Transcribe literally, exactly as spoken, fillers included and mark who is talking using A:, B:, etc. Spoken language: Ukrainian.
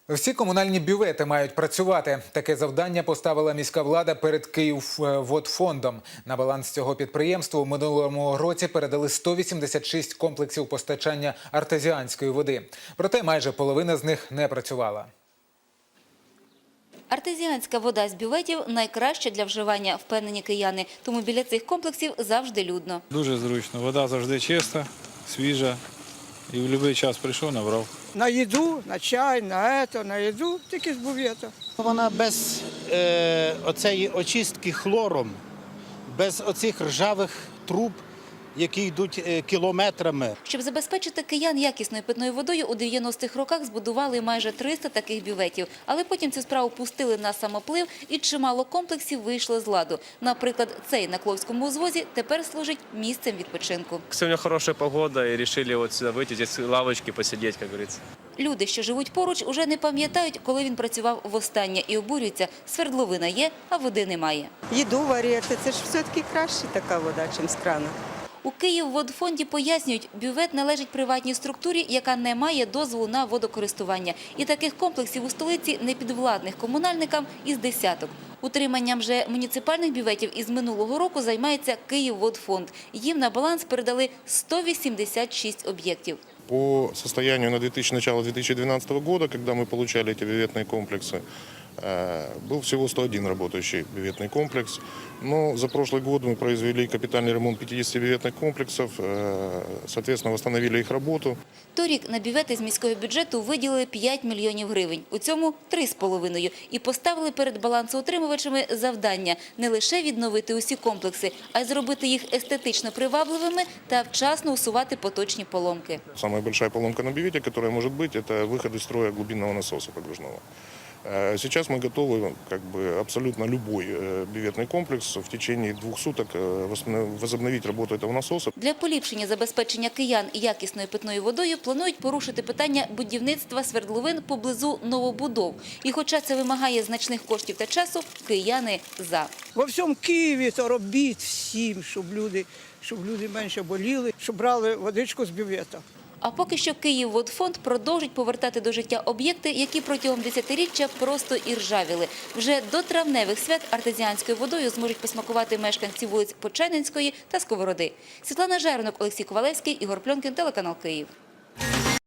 A: Всі комунальні бювети мають працювати. Таке завдання поставила міська влада перед Київводфондом. На баланс цього підприємства у минулому році передали сто вісімдесят шість комплексів постачання артезіанської води. Проте майже половина з них не працювала.
B: Артезіанська вода з бюветів – найкраща для вживання, впевнені кияни. Тому біля цих комплексів завжди людно.
C: Дуже зручно. Вода завжди чиста, свіжа. І в будь-який час прийшов, набрав.
D: На їду, на чай, на це, на їду, тільки з бювета.
E: Вона без е, оцеї очистки хлором, без оцих ржавих труб, які йдуть е, кілометрами.
B: Щоб забезпечити киян якісною питною водою, у дев'яностих роках збудували майже триста таких бюветів. Але потім цю справу пустили на самоплив і чимало комплексів вийшло з ладу. Наприклад, цей на Кловському узвозі тепер служить місцем відпочинку.
F: Сегодня хорошая погода и решили вот сюда выйти, здесь лавочки посидеть, как говорится.
B: Люди, що живуть поруч, уже не пам'ятають, коли він працював востаннє, і обурюються – свердловина є, а води немає.
G: Їду варити, це ж все-таки краще така вода, ніж з крана.
B: У Київводфонді пояснюють, бювет належить приватній структурі, яка не має дозволу на водокористування. І таких комплексів у столиці непідвладних комунальникам із десяток. Утриманням же муніципальних бюветів із минулого року займається Київводфонд. Їм на баланс передали сто вісімдесят шість об'єктів.
H: По состоянию на начало две тысячи двенадцатого года, когда мы получали эти бюветные комплексы, был всего сто один работающий бюветный комплекс. Но за прошлый год мы произвели капитальный ремонт пятидесяти бюветных комплексов, соответственно, восстановили их работу.
B: Торік на бювети з міського бюджету виділили п'ять мільйонів гривень. У цьому – три з половиною. І поставили перед балансоутримувачами завдання не лише відновити усі комплекси, а й зробити їх естетично привабливими та вчасно усувати поточні поломки.
H: Самая большая поломка на бювете, которая может быть, это выход из строя глубинного насоса подвижного. Сейчас мы готовы как бы, абсолютно любой бюветный комплекс в течение двух суток возобновить работу этого насоса.
B: Для поліпшення забезпечення киян якісною питною водою планують порушити питання будівництва свердловин поблизу новобудов. І хоча це вимагає значних коштів та часу, кияни за.
D: Во всьому Києві то робіть всім, щоб люди, щоб люди менше боліли, щоб брали водичку з бювета.
B: А поки що Київводфонд продовжить повертати до життя об'єкти, які протягом десятиріччя просто іржавіли. Вже до травневих свят артезіанською водою зможуть посмакувати мешканці вулиць Почайненської та Сковороди. Світлана Жернок, Олексій Ковалевський, Ігор Пльонкін, телеканал Київ.